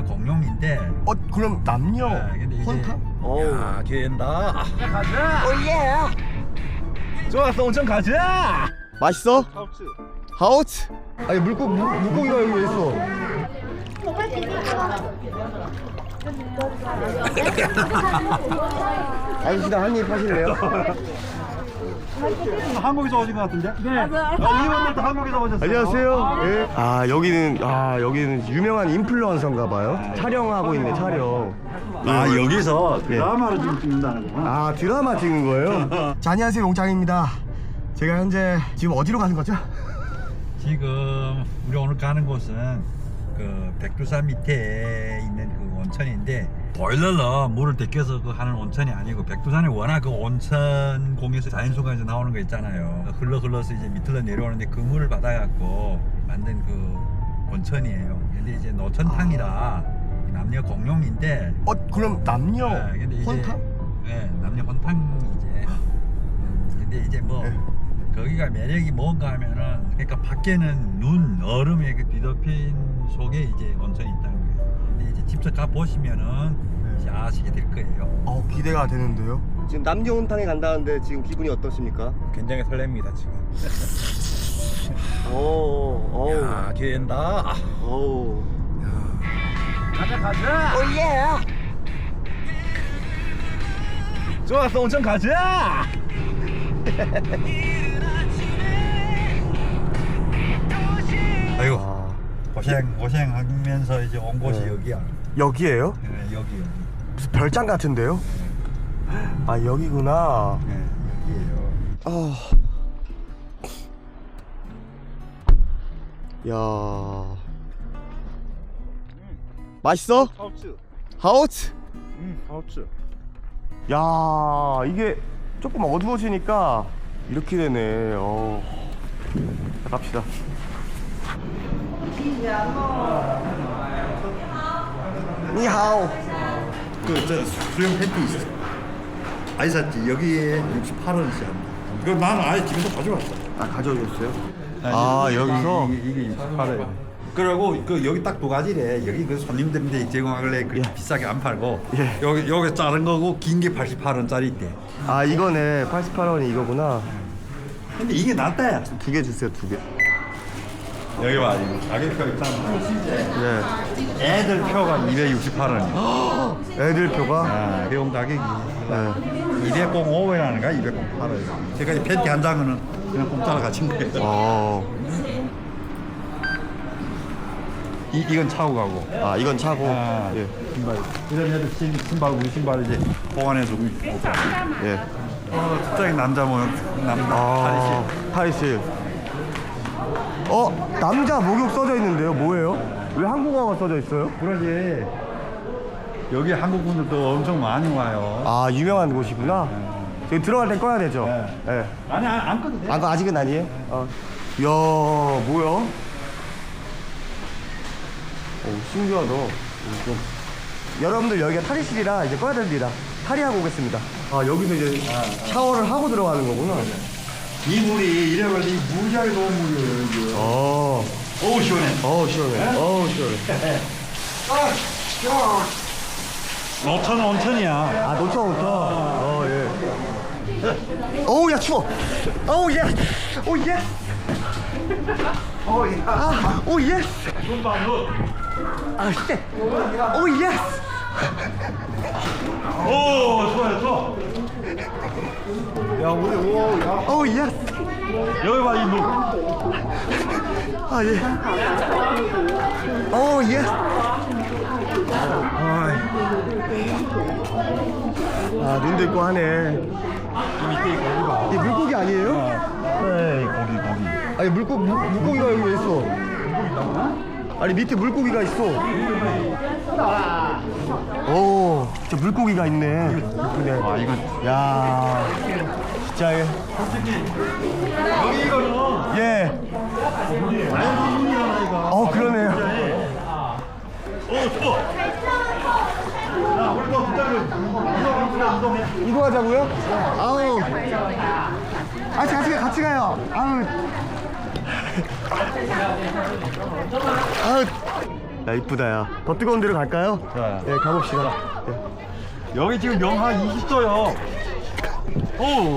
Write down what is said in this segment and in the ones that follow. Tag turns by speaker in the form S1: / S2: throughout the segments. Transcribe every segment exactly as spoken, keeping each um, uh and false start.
S1: 남녀 공용인데.
S2: 어 그럼 남녀
S1: 네, 근데 이제
S2: 혼탕?
S1: 야, 된다.
S2: 가자. 오예.
S1: 좋았어, 온천 가자.
S2: 맛있어?
S1: 하우츠.
S2: 하우츠? 아니 물고 물, 물고기가 여기 왜 있어? 아저씨랑 한입 하실래요?
S1: 한국에서 오신 것 같은데? 네. 아, 이분들도 한국에서 오셨어요.
S2: 안녕하세요. 예. 아 여기는 아 여기는 유명한 인플루언서인가 봐요. 촬영하고 있네 촬영.
S1: 아, 여기서
S2: 예.
S1: 드라마를 지금 찍는다는구나.
S2: 아 드라마 찍는 거예요? 자 안녕하세요 용장입니다. 제가 현재 지금 어디로 가는 거죠?
S1: 지금 우리 오늘 가는 곳은 그 백두산 밑에 있는 그 온천인데, 보일러로 물을 데껴서 그 하는 온천이 아니고, 백두산에 워낙 그 온천 공에서 자연수가에서 나오는 거 있잖아요. 흘러 흘러서 이제 밑으로 내려오는데 그 물을 받아갖고 만든 그 온천이에요. 근데 이제 노천탕이라 남녀 공용인데.
S2: 어 그럼 남녀
S1: 네, 근데 이제
S2: 혼탕?
S1: 네, 남녀 혼탕이제. 음, 근데 이제 뭐
S2: 네.
S1: 거기가 매력이 뭔가 하면은, 그러니까 밖에는 눈, 얼음에 그 뒤덮인 속에 이제 온천이 있다는 거예요. 근데 이제 직접 가 보시면은 이제 아시게 될 거예요.
S2: 어 기대가 되는데요. 지금 남녀 혼탕에 간다는데 지금 기분이 어떠십니까?
S1: 굉장히 설렙니다 지금.
S2: 오, 오,
S1: 야, 기대된다.
S2: 오.
S1: 가자 가자.
S2: 오예.
S1: 좋았어, 온천 가자. 아이고,
S2: 아,
S1: 고생 고생하면서 이제 온 곳이
S2: 네.
S1: 여기야.
S2: 여기에요?
S1: 네, 여기 여기.
S2: 무슨 별장 같은데요? 아 여기구나.
S1: 네, 여기예요.
S2: 아, 야, 맛있어?
S1: 하우츠.
S2: 하우츠?
S1: 음, 하우츠.
S2: 야, 이게 조금 어두워지니까 이렇게 되네. 어, 자, 갑시다. 니하오.
S1: 그저 수영 팬티 있어. 아이 샀지. 여기에 육십팔 원씩 합니다. 그 나는 아예 집에서 가져왔어.
S2: 아 가져오셨어요? 아 여기서?
S1: 이게, 이게 육십팔 원. 그리고 그 여기 딱 두 가지래. 여기 그 손님들한테 제공하길래 그
S2: 예.
S1: 비싸게 안 팔고,
S2: 예.
S1: 여기 여기 자른 거고 긴 게 팔십팔 원짜리 있대.
S2: 아 이거네. 팔십팔 원이 이거구나.
S1: 근데 이게 낫다 야.
S2: 두 개 주세요, 두 개.
S1: 여기 봐, 이거 가격표 있잖아.
S2: 네.
S1: 애들 표가 이백육십팔 원.
S2: 애들 표가?
S1: 아, 배용 가격이
S2: 네.
S1: 이백오 원이라는가 이백팔 원. 제가 이 팬티 한 장은 그냥 공짜로 가진 거예요.
S2: 어.
S1: 이 이건 차고 가고.
S2: 아 이건 차고.
S1: 아,
S2: 예.
S1: 신발. 이런 애들 신, 신발 우리 신발 이제 보관해두고 있고.
S2: 예.
S1: 어, 특장인 남자 모양 남자
S2: 아, 탈의실. 어, 남자 목욕 써져 있는데요. 뭐예요? 왜 한국어가 써져 있어요?
S1: 그러지. 여기 한국 분들도 엄청 많이 와요.
S2: 아, 유명한 곳이구나. 저기 들어갈 때 꺼야 되죠?
S1: 네.
S2: 예.
S1: 아니 안, 안 꺼도 돼.
S2: 아, 그거 아직은 아니에요? 어. 이야, 뭐야? 오, 신기하다. 좀. 여러분들 여기가 탈의실이라 이제 꺼야 됩니다. 탈의하고 오겠습니다. 아, 여기서 이제 샤워를 하고 들어가는 거구나.
S1: 이 물이 이래가지고 무지하게 좋은 물이에요 여기.
S2: 어,
S1: 어우 시원해.
S2: 어우, 시원해. 어우, 시원해.
S1: 노천 온천이야.
S2: 아, 노천, 노천. 어, 예. 어우, 야, 추워. 어우, 예. 오, 예. 오, 예. 아, 오, 예. 아, 쎄. 오, 예.
S1: 오 좋아요 좋아. 야 우리 오 야.
S2: 오, 예.
S1: 여기 봐 이 물.
S2: 아, 예. 오, 예. 아, 눈도 있고 하네.
S1: 이 밑에 고기 봐.
S2: 이게 물고기 아니에요?
S1: 네 고기 고기.
S2: 아니, 물고, 물, 물고기가 여기 왜 있어? 아니, 밑에 물고기가 있어. 오, 저 물고기가 있네. 이쁘네.
S1: 아 이건
S2: 야, 진짜 예.
S1: 여기 이거는
S2: 예.
S1: 자연분이라는 이거.
S2: 어, 그러네요.
S1: 오 좋아. 야 우리 또 부탁을 이동해 이동해.
S2: 이동하자고요? 아우. 같이 같이 가, 같이 가요. 아우. 아우. 야 이쁘다 야. 더 뜨거운 데로 갈까요?
S1: 자.
S2: 예 가봅시다. 예.
S1: 여기 지금 영하 이십 도요. 오.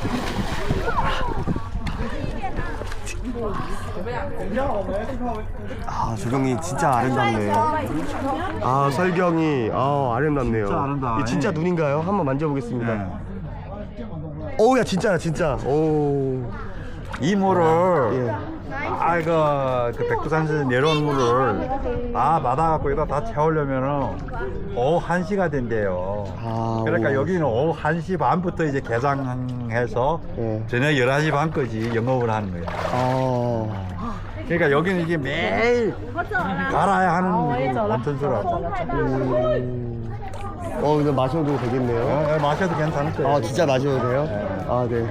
S2: 아 조경이 진짜 아름답네. 아 설경이 아 아름답네요.
S1: 진짜 아름다워.
S2: 이게 진짜 눈인가요? 한번 만져보겠습니다.
S1: 네.
S2: 오야 진짜야 진짜. 오.
S1: 이 물을
S2: 예.
S1: 아 이거 그 백두산에서 내려온 물을 다 받아갖고 여기다 다 채우려면은 오후 한 시가 된대요.
S2: 아,
S1: 그러니까
S2: 오.
S1: 여기는 오후 한 시 반부터 이제 개장해서
S2: 예.
S1: 저녁 열한 시 반까지 영업을 하는 거예요.
S2: 아.
S1: 그러니까 여기는 이게 매일 갈아야 하는 원천수라고.
S2: 음. 어 근데 마셔도 되겠네요.
S1: 어, 마셔도 괜찮을 거예요.
S2: 아 진짜 마셔도 돼요? 아 네.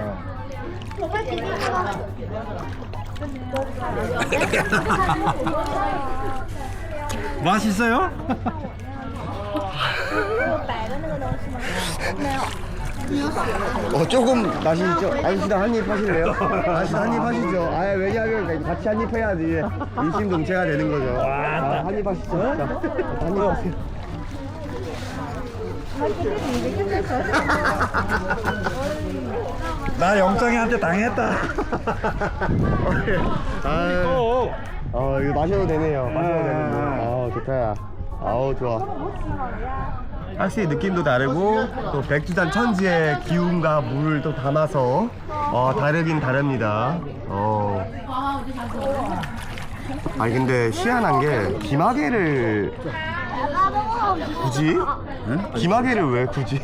S1: 맛있어요?
S2: 어 조금 마시죠. 아저씨도 한입 하실래요? 아저씨도 한입 하시죠. 아 왜냐하면 같이 한입 해야지 일심동체가 되는 거죠. 아, 한입 하시죠. 자, 한입 하세요.
S1: 나 영장이한테 당했다.
S2: 아, 어 이거 마셔도 되네요. 마셔도 되는데. 아 좋다. 아우 좋아. 확실히 느낌도 다르고 또 백두산 천지의 기운과 물을 또 담아서 어 다르긴 다릅니다. 어. 아니 근데 희한한 게 기마개를 굳이? 응? 기마개를 왜 굳이?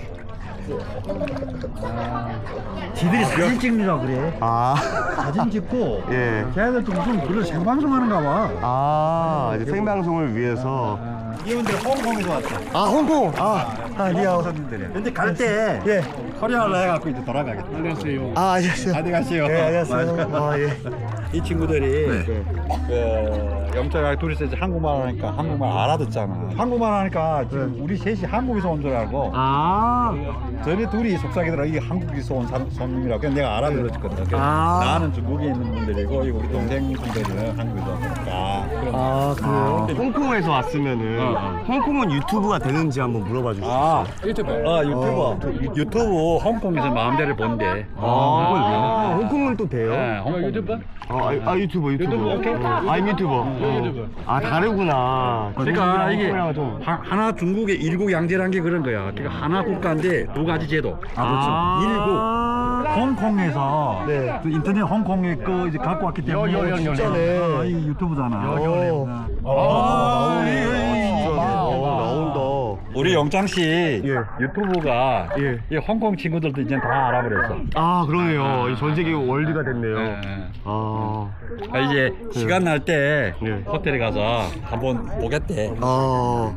S1: 지들이 사진 찍느라 그래.
S2: 아,
S1: 사진 찍고
S2: 예.
S1: 걔네들도 무슨 그런 생방송 하는가 봐.
S2: 아 이제 생방송을 위해서.
S1: 이분들 홍콩에서 왔어.
S2: 아 홍콩. 아, 아 리아오.
S1: 근데 갈 때
S2: 예.
S1: 코리아로 해갖고 이제 돌아가겠다. 안녕하세요.
S2: 아 안녕하세요.
S1: 안녕하세요.
S2: 네 안녕하세요. 아 예.
S1: 이 친구들이 그 영철이랑 둘이서 이제 한국말 하니까 한국말 알아듣잖아. 한국말 하니까 지금 우리 셋이 한국에서 온 줄 알고
S2: 아.
S1: 저희 둘이 속삭이더라. 이게 한국에서 온 사람, 손님이라고. 그래서 내가 알아들었거든. 그래서
S2: 아.
S1: 나는 중국에 있는 분들이고 이거 우리 동생분들은 한국에서 오니까.
S2: 아 그래요? 홍콩에서 왔으면은
S1: 어, 어.
S2: 홍콩은 유튜브가 되는지 한번 물어봐 주시죠.
S1: 아 유튜브. 아 유튜버.
S2: 어.
S1: 유- 유튜브 홍콩에서 마음대로 본대.
S2: 아, 아, 홍콩은 또 돼요?
S1: 네, 홍콩 유튜버.
S2: 아, 아, 아 유튜버 유튜버.
S1: 유튜브, 오케이.
S2: 아 유튜버. 어. 아 다르구나.
S1: 그러니까
S2: 중국이랑
S1: 이게
S2: 홍콩이랑은 좀.
S1: 하, 하나 중국의 일국 양제란 게 그런 거야. 그러니까 하나 국가인데 두 가지 제도.
S2: 아.
S1: 일국. 홍콩에서
S2: 네.
S1: 그 인터넷 홍콩에 거 이제 갖고 왔기 때문에
S2: 여, 여, 여,
S1: 진짜네.
S2: 여.
S1: 아, 이 유튜브잖아.
S2: 어.
S1: 아,
S2: 아, 나오네.
S1: 이, 이, 이,
S2: 진짜네.
S1: 봐,
S2: 어,
S1: 봐.
S2: 나온다.
S1: 우리 영장 씨
S2: 예.
S1: 유튜브가
S2: 예.
S1: 이 홍콩 친구들도 이제 다 알아버렸어.
S2: 아 그러네요. 이전 세계 월드가 됐네요.
S1: 예.
S2: 아.
S1: 아, 이제 시간 날 때
S2: 예.
S1: 호텔에 가서 한번 보겠대.
S2: 아.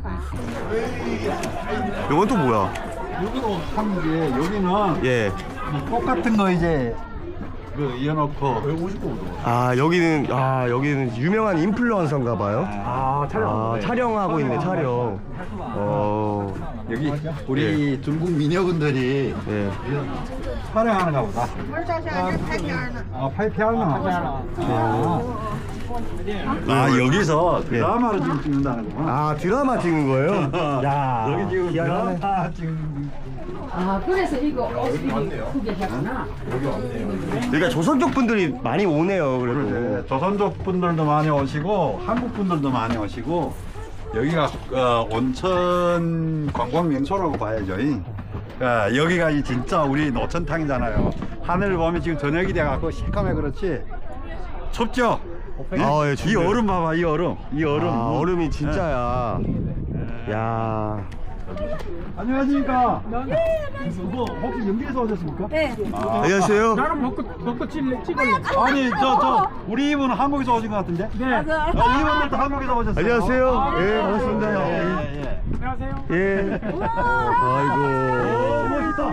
S2: 이건 또 뭐야?
S1: 여기도 한게 여기는
S2: 예.
S1: 똑같은 거 이제 그 이어놓고
S2: 아 여기는 아 여기는 유명한 인플루언서인가 봐요.
S1: 아
S2: 아 촬영하고 있네 촬영. 어.
S1: 여기 우리 중국 미녀분들이
S2: 예.
S1: 촬영하는가 보다. 아 파이피아나. 아, 아 여기서 드라마를 지금 찍는다는구나.
S2: 아 드라마 찍는 거예요? 야
S1: 여기 지금
S2: 희한하네.
S1: 드라마 지금
S3: 아, 그래서 이거 어디 구경했구나.
S2: 그러니까 조선족 분들이 많이 오네요. 그래도.
S1: 네, 조선족 분들도 많이 오시고 한국 분들도 많이 오시고 여기가 어, 온천 관광 명소라고 봐야죠. 이. 어, 여기가 이 진짜 우리 노천탕이잖아요. 하늘을 보면 지금 저녁이 돼갖고 시커매 그렇지 춥죠?
S2: 아, 예,
S1: 이
S2: 춥네요.
S1: 얼음 봐봐 이 얼음 이 얼음
S2: 아, 얼음이 진짜야. 야.
S1: 안녕하십니까? 뭐 혹시 연기에서 오셨습니까?
S3: 네.
S2: 안녕하세요.
S4: 나는 벚꽃 벚꽃 찍을래 찍을래.
S1: 아니 저 저 우리 이분은 한국에서 오신 것 같은데?
S4: 네.
S1: 아, 이분들도 한국에서 오셨어요.
S2: 안녕하세요. 예 반갑습니다.
S1: 예, 예, 예.
S4: 안녕하세요.
S2: 예. 아이고.
S1: 멋있다.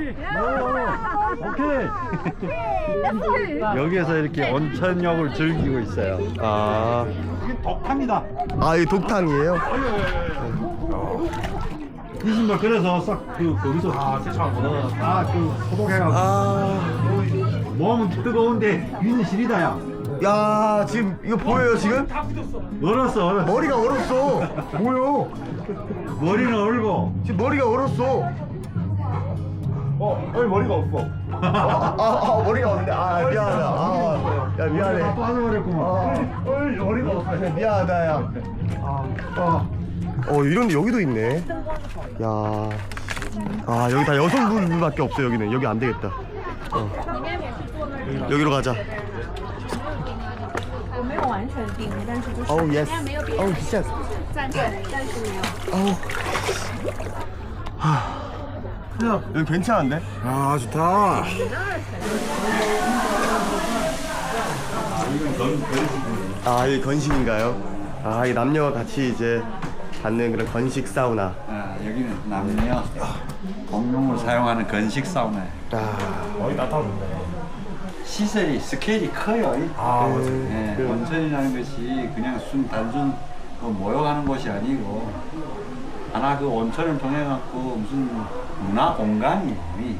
S1: 오케이. 여기에서 이렇게 온천욕을 즐기고 있어요.
S2: 아.
S1: 이게 독탕이다.
S2: 아, 이 독탕이에요?
S1: 이 신발 그래서 싹그 거기서 아 세차하고 다그 소독해가지고
S2: 아.
S1: 몸은 뜨거운데 위는 시리다야.
S2: 야, 지금 이거 보여요, 지금?
S1: 얼었어 얼었어.
S2: 머리가 얼었어. 뭐요?
S1: 머리는 얼고.
S2: 지금 머리가 얼었어. 어, 여기 머리가 없어. 아, 아, 아, 머리가 없는데. 아, 미안하다. 아, 야, 미안해.
S1: 다 빠져버렸구만.
S2: 아, 어, 머리가 없어. 미안하다, 야. 아, 어, 이런데 여기도 있네. 야, 아, 여기 다 여성분밖에 없어. 여기는 여기 안 되겠다. 어. 여기로 가자.
S5: 我没有完全定，但是就是
S2: 어우,
S5: 现
S2: 예스.
S5: 在没有别
S2: 어우,
S5: 人
S2: 진짜.
S5: 暂对，暂时没有。
S2: 어우. 하. 여기 괜찮은데?
S1: 아 좋다.
S2: 아, 이게 건식인가요? 아, 이 남녀 같이 이제 받는 그런 건식 사우나.
S1: 아, 여기는 남녀 공용으로 사용하는 건식 사우나.
S2: 아,
S4: 거의 다 타는데.
S1: 시설이 스케일이 커요. 이.
S4: 아, 맞아.
S1: 네,
S2: 그-
S1: 온천이라는 것이 그냥 순 단순 그 모여가는 곳이 아니고 하나 그 온천을 통해 갖고 무슨 문화 공간이에요. 이.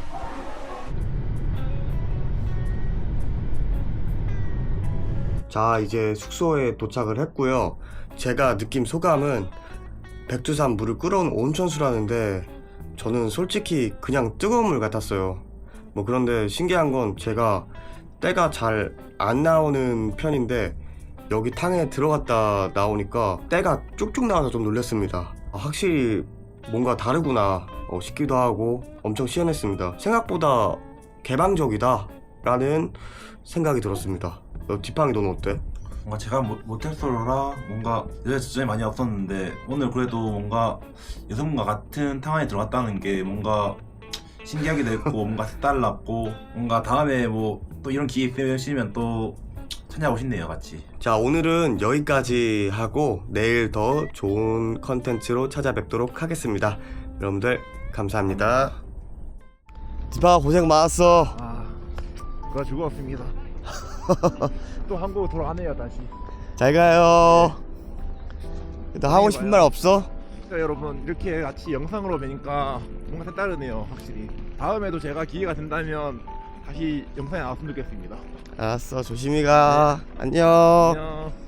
S2: 자, 이제 숙소에 도착을 했고요. 제가 느낀 소감은 백두산 물을 끓어온 온천수라는데 저는 솔직히 그냥 뜨거운 물 같았어요. 뭐 그런데 신기한 건 제가 때가 잘 안 나오는 편인데 여기 탕에 들어갔다 나오니까 때가 쭉쭉 나와서 좀 놀랐습니다. 아, 확실히 뭔가 다르구나 어, 싶기도 하고 엄청 시원했습니다. 생각보다 개방적이다 라는 생각이 들었습니다. 너 뒷방이 너는 어때?
S6: 뭔가 제가 모, 모텔솔로라 뭔가 여자 지점이 많이 없었는데 오늘 그래도 뭔가 여성분과 같은 탕 안에 들어갔다는 게 뭔가 신기하기도 했고 뭔가 색달랐고 뭔가 다음에 뭐 또 이런 기회 있으시면 또 찾아오고 싶네요 같이.
S2: 자, 오늘은 여기까지 하고 내일 더 좋은 컨텐츠로 찾아뵙도록 하겠습니다. 여러분들 감사합니다. 디파 고생 많았어.
S4: 아, 그거 즐거웠습니다. 또 한국 돌아가네요 다시.
S2: 잘 가요. 너 하고 싶은 말 없어?
S4: 진짜 여러분 이렇게 같이 영상으로 뵈니까 뭔가 색다르네요 확실히. 다음에도 제가 기회가 된다면 다시 영상에 나왔으면 좋겠습니다.
S2: 알았어, 조심히 가. 안녕.
S4: 안녕.